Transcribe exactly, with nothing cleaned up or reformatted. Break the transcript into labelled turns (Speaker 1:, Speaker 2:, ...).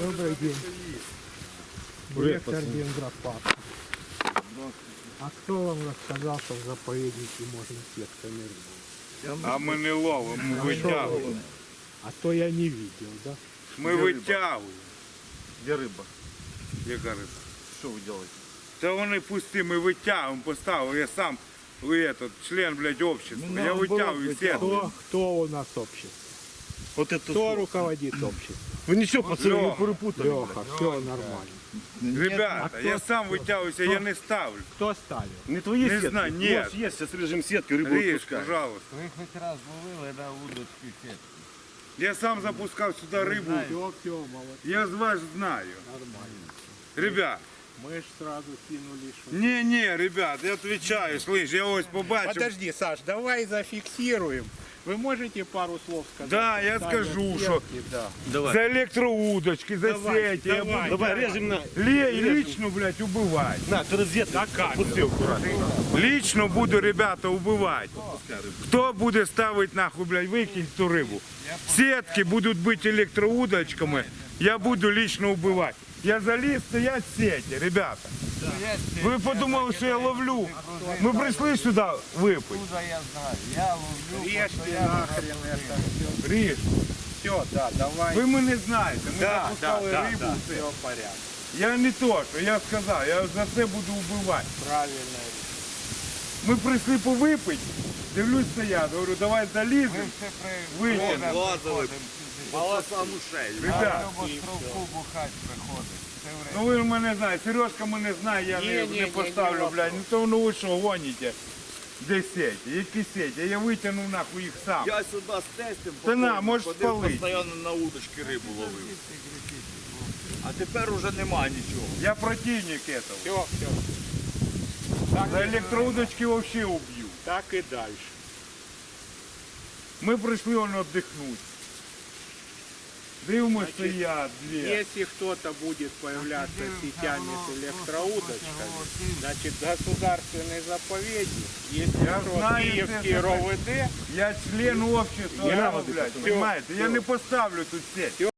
Speaker 1: Добрый день. Директор Дендропарка. А кто вам рассказал, что в заповеднике можно сетками рыбу?
Speaker 2: А мы не ловим, мы вытягиваем.
Speaker 1: А то я не видел, да?
Speaker 2: Мы вытягиваем.
Speaker 3: Где рыба?
Speaker 2: Яка риба?
Speaker 3: Что вы делаете?
Speaker 2: Та вони пусті, ми витягуємо, поставив. Я сам, ви этот, член, блядь, общества.
Speaker 3: Ну,
Speaker 2: Я
Speaker 3: наоборот,
Speaker 2: витягую сетку.
Speaker 1: Кто, кто у нас общество?
Speaker 3: Вот это
Speaker 1: Кто руководит обществом?
Speaker 3: Вы ничего, пацаны, не
Speaker 2: Лёха.
Speaker 3: перепутали.
Speaker 1: Леха, все нормально.
Speaker 2: Ребята,
Speaker 1: а
Speaker 2: я
Speaker 1: кто-
Speaker 2: сам витягуюся, я не ставлю.
Speaker 1: Кто ставил?
Speaker 3: Не твои
Speaker 2: Не
Speaker 3: сетки.
Speaker 2: знаю,
Speaker 3: У
Speaker 2: нет.
Speaker 3: нас есть, сейчас режем сетки, рыбу
Speaker 2: Ріж,
Speaker 3: отпускаем.
Speaker 2: пожалуйста.
Speaker 4: Ви хоч раз ловили на удочки сітки?
Speaker 2: Я сам запускав сюди рибу.
Speaker 1: Все, все, молодец,
Speaker 2: Я з вас знаю.
Speaker 1: нормально.
Speaker 2: Ребят,
Speaker 1: Мы ж сразу кинули, что...
Speaker 2: не-не, ребят, я отвечаю, слышь, я ось побачив.
Speaker 1: Подожди, Саш, давай зафиксируем. Вы можете пару слов сказать?
Speaker 2: Да, я
Speaker 1: Ставят
Speaker 2: скажу,
Speaker 1: сетки,
Speaker 2: что-
Speaker 1: Да.
Speaker 3: Давай.
Speaker 2: За електроудочки, за
Speaker 1: Давай,
Speaker 2: сети. Я
Speaker 1: давай.
Speaker 2: буду
Speaker 3: Давай, режем на...
Speaker 2: ле- лично, блядь, убивать.
Speaker 3: На, ты розетку отпусти аккуратно.
Speaker 2: Лично буду, ребята, убивать. Кто буде ставити нахуй, блядь, викинь ту рибу. Сетки будуть бути електроудочками, я буду лично убивати. Я заліз, стоять сети, ребята. Ви подумали, що я ловлю? Ми прийшли сюди випити.
Speaker 4: Откуда я знаю? Я ловлю,
Speaker 1: Режьте
Speaker 4: постоянно
Speaker 1: нахрен
Speaker 4: ловлю.
Speaker 1: это все.
Speaker 2: Ріж,
Speaker 1: Все, да, давай.
Speaker 2: ви мене знаєте, ми
Speaker 1: Да, да,
Speaker 2: запускали
Speaker 1: да,
Speaker 2: рибу.
Speaker 1: да,
Speaker 2: все.
Speaker 1: все в порядке.
Speaker 2: Я не то, що я сказав, я за це буду вбивати.
Speaker 1: Правильно.
Speaker 2: Ми прийшли повипити, дивлюсь, стоять, говорю, давай
Speaker 4: Ми
Speaker 2: заліземо.
Speaker 4: все при...
Speaker 2: Витягнемо.
Speaker 4: Лазили.
Speaker 3: Волоса ушей.
Speaker 2: Ребят,
Speaker 4: Любо стровку бухать приходить. Все время.
Speaker 2: ну ви ж мене знаєте, Сережка мене знає, я
Speaker 1: Ні,
Speaker 2: не,
Speaker 1: ні,
Speaker 2: не
Speaker 1: ні,
Speaker 2: поставлю,
Speaker 1: ні,
Speaker 2: блядь. Ну то ну ви що гоніте? Де сеті? Які сеті? Я витягнув нахуй їх сам.
Speaker 3: Я сюда с тестем
Speaker 2: Та на,
Speaker 3: походив,
Speaker 2: можеш
Speaker 3: ходив,
Speaker 2: спалити.
Speaker 3: постійно на удочки рибу ловив. А тепер уже нема нічого.
Speaker 2: Я противник этого.
Speaker 1: Все, все. Так,
Speaker 2: За електроудочки вообще уб'ю.
Speaker 1: так и дальше.
Speaker 2: Ми прийшли он віддихнути. Дивимось,
Speaker 1: Значить,
Speaker 2: стоять дві.
Speaker 1: Если кто-то будет появляться с сетями с электроудочками, значит государственный заповедник, если
Speaker 2: Я
Speaker 1: что,
Speaker 2: знаю,
Speaker 1: Киевский
Speaker 2: это-
Speaker 1: РОВД,
Speaker 2: Я член общества,
Speaker 1: Я-
Speaker 2: блядь,
Speaker 1: Всё,
Speaker 2: понимаете? Я
Speaker 1: всё.
Speaker 2: не поставлю тут сеть.